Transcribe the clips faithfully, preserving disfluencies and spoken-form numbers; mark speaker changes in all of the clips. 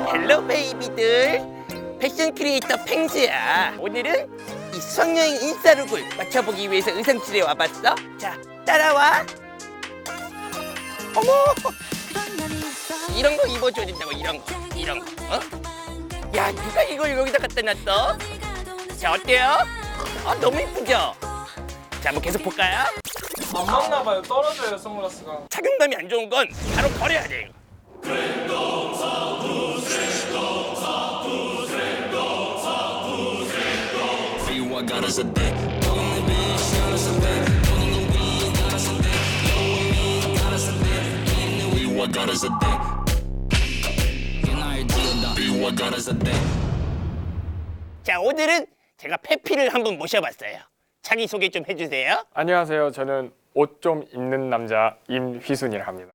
Speaker 1: 헬로 베이비들, 패션 크리에이터 펭수야. 오늘은 이 수학여행 인싸룩을 맞춰보기 위해서 의상실에 와봤어. 자, 따라와. 어머, 이런 거 입어줘야 된다고. 이런 거, 이런 거. 어? 야, 누가 이걸 여기다 갖다 놨어? 자, 어때요? 아, 너무 이쁘죠? 자, 뭐 계속 볼까요?
Speaker 2: 안 맞나 봐요. 떨어져요, 선글라스가.
Speaker 1: 착용감이 안 좋은 건 바로 버려야 돼요. 자, 오늘은 제가 페피를 한번 모셔봤어요. 자기소개 좀 해주세요.
Speaker 2: 안녕하세요. 저는 옷 좀 입는 남자 임휘순이라 합니다.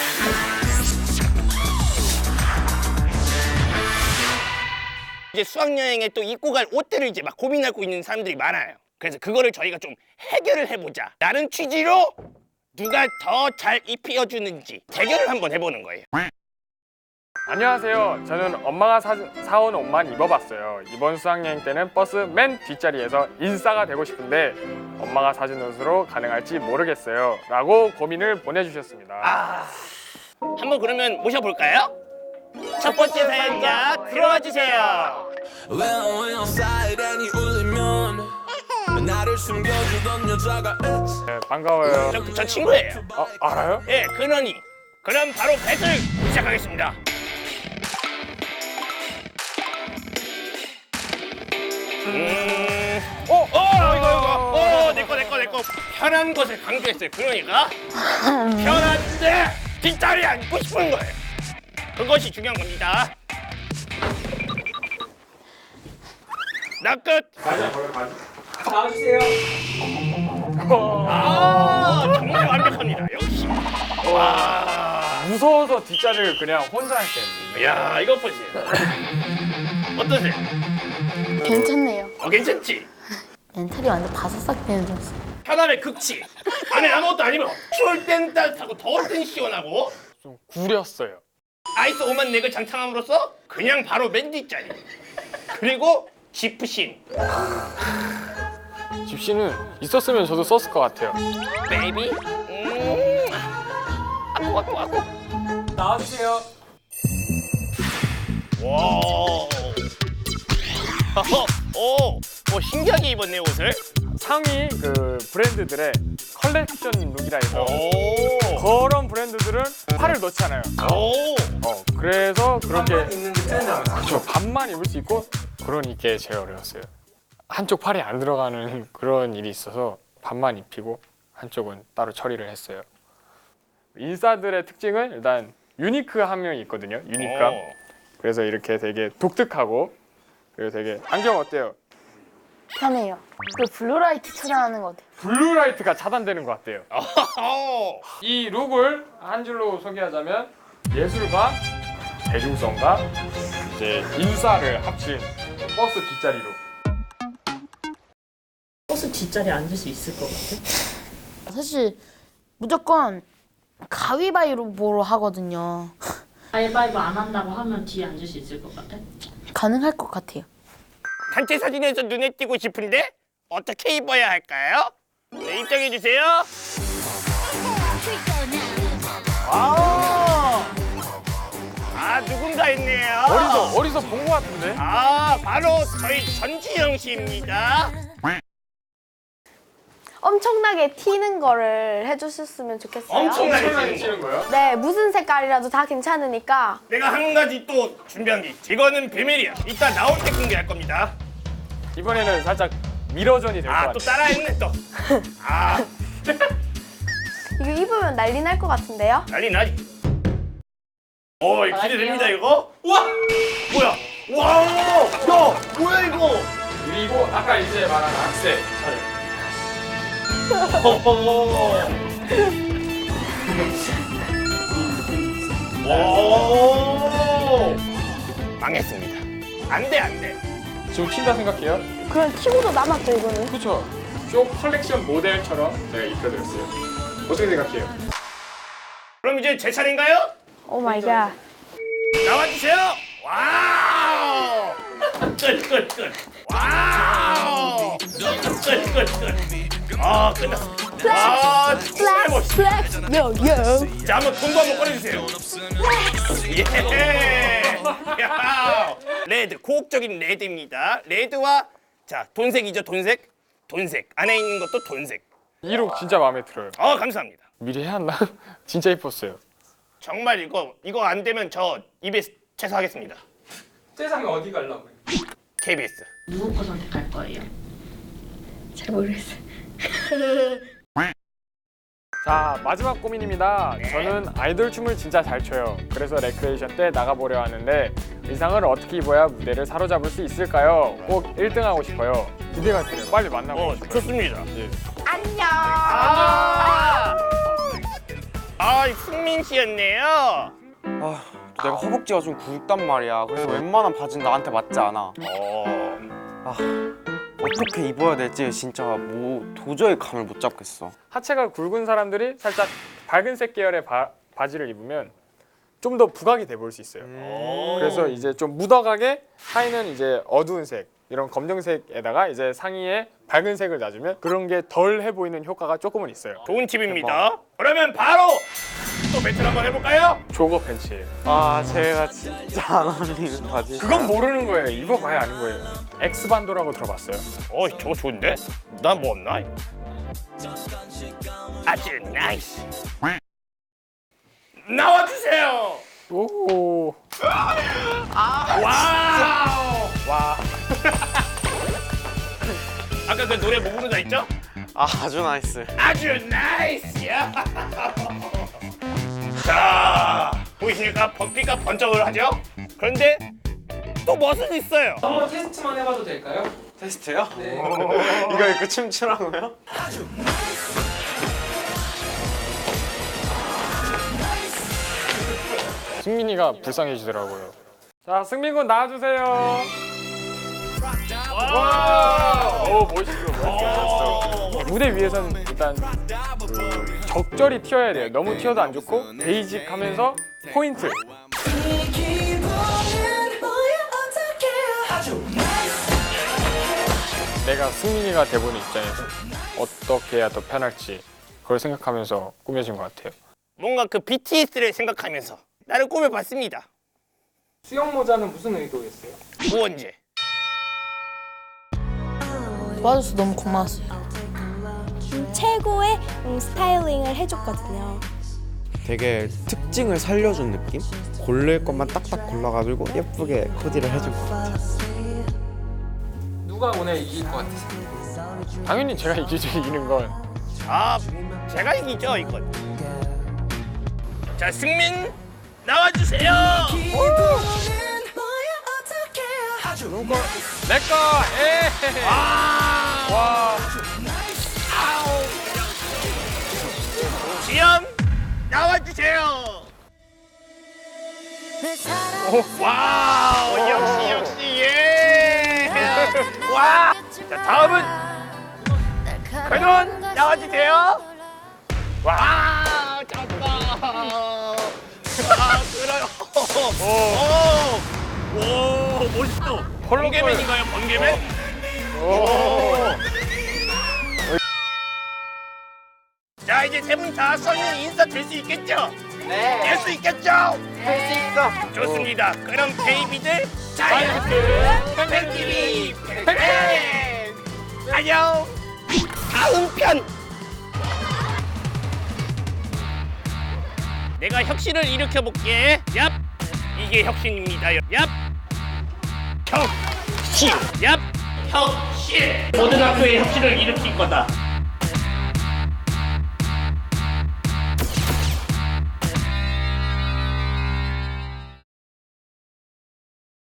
Speaker 1: 이제 수학여행에 또 입고 갈 옷들을 이제 막 고민하고 있는 사람들이 많아요. 그래서 그거를 저희가 좀 해결을 해보자 라는 취지로 누가 더 잘 입혀주는지 대결을 한번 해보는 거예요.
Speaker 2: 안녕하세요. 저는 엄마가 사, 사온 옷만 입어봤어요. 이번 수학여행 때는 버스 맨 뒷자리에서 인싸가 되고 싶은데 엄마가 사준 옷으로 가능할지 모르겠어요 라고 고민을 보내주셨습니다.
Speaker 1: 아, 한번 그러면 모셔볼까요? 첫 번째 사연자 들어와 주세요.
Speaker 2: 네, 반가워요.
Speaker 1: 저, 저 친구예요.
Speaker 2: 아, 알아요?
Speaker 1: 예, 근원이. 그럼 바로 배틀 시작하겠습니다. 음, 어, 어, 이거, 이거, 어, 내꺼, 내꺼, 내꺼. 편한 것을 강조했어요. 그러니까 편한데 뒷다리 앉고 싶은 거예요. 그것이 중요한 겁니다. 나 끝.
Speaker 2: 나와주세요.
Speaker 1: 아, 정말 완벽합니다. 역시. 와,
Speaker 2: 무서워서 뒷자리를 그냥 혼자 할게.
Speaker 1: 야, 이거 보세요. 어떠세요?
Speaker 3: 괜찮네요.
Speaker 1: 어, 괜찮지?
Speaker 3: 멘탈이 완전 바삭삭 되는 줄 알았어요.
Speaker 1: 편안의 극치. 안에 아무것도 아니면 추울 땐 따뜻하고 더울 땐 시원하고
Speaker 2: 좀 구렸어요.
Speaker 1: 아이스 오만 넥을 장착함으로써 그냥 바로 맨 뒷자리. 그리고 지프신.
Speaker 2: 집시는 있었으면 저도 썼을 것 같아요.
Speaker 1: 베이비. 음. 아고 아고 아고.
Speaker 2: 나와주세요.
Speaker 1: 와. 오, 오, 신기하게 입었네 옷을.
Speaker 2: 상위 그 브랜드들의 컬렉션 룩이라 해서
Speaker 1: 오.
Speaker 2: 그런 브랜드들은 팔을 넣지 않아요.
Speaker 1: 오.
Speaker 2: 어, 그래서 그렇게 입는 게 트렌드라고. 그렇죠. 반만 입을 수 있고 그러니 이게 제일 어려웠어요. 한쪽 팔이 안 들어가는 그런 일이 있어서 반만 입히고 한쪽은 따로 처리를 했어요. 인싸들의 특징은 일단 유니크함이 있거든요. 유니크함.
Speaker 1: 오.
Speaker 2: 그래서 이렇게 되게 독특하고 그리고 되게 안경 어때요?
Speaker 3: 편해요. 그 블루라이트 차단하는 것 같아요.
Speaker 2: 블루라이트가 차단되는 것 같아요.
Speaker 1: 오.
Speaker 2: 이 룩을 한 줄로 소개하자면 예술과 대중성과 이제 인싸를 합친 버스 뒷자리 룩.
Speaker 4: 버스 뒷자리에 앉을 수 있을 것 같아?
Speaker 3: 사실 무조건 가위바위보로 하거든요.
Speaker 4: 가위바위보 안 한다고 하면 뒤에 앉을 수 있을 것 같아?
Speaker 3: 가능할 것 같아요.
Speaker 1: 단체 사진에서 눈에 띄고 싶은데 어떻게 입어야 할까요? 네, 입장해 주세요. 아, 아 누군가 있네요.
Speaker 2: 어디서 어디서 본 것 같은데?
Speaker 1: 아, 바로 저희 전지영 씨입니다.
Speaker 5: 엄청나게 튀는 거를 해주셨으면 좋겠어요.
Speaker 1: 엄청나게
Speaker 2: 엄청나게
Speaker 1: 튀는
Speaker 2: 치는
Speaker 1: 거.
Speaker 2: 거예요?
Speaker 5: 네, 무슨 색깔이라도 다 괜찮으니까.
Speaker 1: 내가 한 가지 또 준비한 게 있지. 이거는 비밀이야. 이따 나올 때 공개할 겁니다.
Speaker 2: 이번에는 살짝 미러전이 될 것
Speaker 1: 아,
Speaker 2: 같아요.
Speaker 1: 또 따라했네 또. 아,
Speaker 5: 이거 입으면 난리 날 것 같은데요?
Speaker 1: 난리 나지. 오, 기대됩니다 이거. 우와, 뭐야? 와, 야, 뭐야 이거?
Speaker 2: 그리고 아까 이제 말한 악세 차례.
Speaker 1: 오, 망했습니다. 안 돼, 안 돼.
Speaker 2: 지금 튄다 생각해요?
Speaker 5: 그럼 튀고도 남았죠, 이거는.
Speaker 2: 그렇죠. 쇼 컬렉션 모델처럼 제가 입혀드렸어요. 어떻게 생각해요?
Speaker 1: 그럼 이제 제 차례인가요?
Speaker 5: 오 마이 갓.
Speaker 1: 나와주세요. 와우! 끝, 끝, 끝. 와우! 끝, 끝, 끝. 아, 끝났습니다. 아, 정말 멋있다.
Speaker 3: 플렉스 요요.
Speaker 1: 자, 한번 돈도 한번 꺼내주세요. 예! 야! 레드, 고혹적인 레드입니다. 레드와 자, 돈색이죠, 돈색. 돈색. 안에 있는 것도 돈색.
Speaker 2: 이 룩 진짜 마음에 들어요.
Speaker 1: 어, 감사합니다.
Speaker 2: 미리 해왔나? 진짜 이뻤어요.
Speaker 1: 정말 이거 이거 안 되면 저 이비에스 퇴사하겠습니다.
Speaker 6: 세상에 어디 가려고요?
Speaker 1: 케이비에스.
Speaker 4: 누구 거 선택할 거예요?
Speaker 5: 잘 모르겠어요.
Speaker 2: 자, 마지막 고민입니다. 저는 아이돌 춤을 진짜 잘 춰요. 그래서 레크레이션 때 나가보려 하는데 의상을 어떻게 입어야 무대를 사로잡을 수 있을까요? 꼭 일 등 하고 싶어요. 기대가 돼요. 빨리 만나고
Speaker 1: 어,
Speaker 2: 싶어요.
Speaker 1: 좋습니다.
Speaker 2: 예.
Speaker 1: 아! 아, 승민 씨였네요.
Speaker 7: 아, 내가 허벅지가 좀 굵단 말이야. 그래서 웬만한 바지는 나한테 맞지 않아.
Speaker 1: 어.
Speaker 7: 아, 어떻게 입어야 될지 진짜 뭐 도저히 감을 못 잡겠어.
Speaker 2: 하체가 굵은 사람들이 살짝 밝은색 계열의 바, 바지를 입으면 좀 더 부각이 돼 보일 수 있어요.
Speaker 1: 오.
Speaker 2: 그래서 이제 좀 묻어가게 하의는 이제 어두운 색, 이런 검정색에다가 이제 상의에 밝은 색을 놔주면 그런 게 덜 해 보이는 효과가 조금은 있어요.
Speaker 1: 좋은 팁입니다. 그러면 바로 또 배틀 한번 해볼까요?
Speaker 2: 조거 팬츠예요.
Speaker 7: 아, 제가 진짜 안 어울리는 바지.
Speaker 2: 그건 모르는 거예요. 입어봐야 아는 거예요. 엑스반도라고 들어봤어요?
Speaker 1: 어, 저거 좋은데? 난 뭐 없나? 아주 나이스. 나와주세요.
Speaker 2: 오.
Speaker 1: 와우.
Speaker 2: 와.
Speaker 1: 아까 그 노래 뭐 부르자 했죠?
Speaker 7: 아, 아주 나이스.
Speaker 1: 아주 나이스야. 자, 보이십니까? 버피가 번쩍을 하죠? 그런데 또 멋은 있어요.
Speaker 6: 한번 테스트만 해봐도 될까요?
Speaker 7: 테스트요?
Speaker 6: 네.
Speaker 7: 이거 입고 춤추라고요?
Speaker 2: 승민이가 불쌍해지더라고요. 자, 승민군 나와주세요. 와. 오, 멋있어, 멋있어. 무대 위에서는 일단 그 적절히 튀어야 돼요. 너무 튀어도 안 좋고 베이직하면서 포인트. 내가 승민이가 돼보는 입장에서 어떻게 해야 더 편할지 그걸 생각하면서 꾸며진 것 같아요.
Speaker 1: 뭔가 그 비티에스를 생각하면서 나를 꾸며봤습니다.
Speaker 6: 수영 모자는 무슨 의도였어요?
Speaker 1: 구원제.
Speaker 3: 도와줘서 너무 고마웠어요.
Speaker 5: 최고의 음, 스타일링을 해줬거든요.
Speaker 8: 되게 특징을 살려준 느낌? 고를 것만 딱딱 골라가지고 예쁘게 코디를 해준 것 같아요.
Speaker 6: 누가 오늘 이길 것 같으세요?
Speaker 2: 당연히 제가 이기죠. 이기는 건.
Speaker 1: 아, 제가 이기죠, 이건. 자, 승민 나와주세요.
Speaker 2: 내꺼. 에.
Speaker 1: 아,
Speaker 2: 와.
Speaker 1: 아우. 지영 나와주세요. 와우, 역시 역시 예. 와. 자, 다음은 권원 나와주세요. 와, 잘한다. 아, 그래요. 오, 오, 멋있어. 번개맨인가요, 번개맨? 오. 자, 이제 세 분 다 썰는 인사 될 수 있겠죠? 네. 될 수 있겠죠?
Speaker 7: 할 수 있어.
Speaker 1: 좋습니다. 그럼 베이비들 자이언트 팬티비 팬 안녕. 다음 편. 내가 혁신을 일으켜 볼게. 얍. 이게 혁신입니다. 얍. 혁신. 얍. 혁신. 모든 학교에 혁신을 일으킬 거다.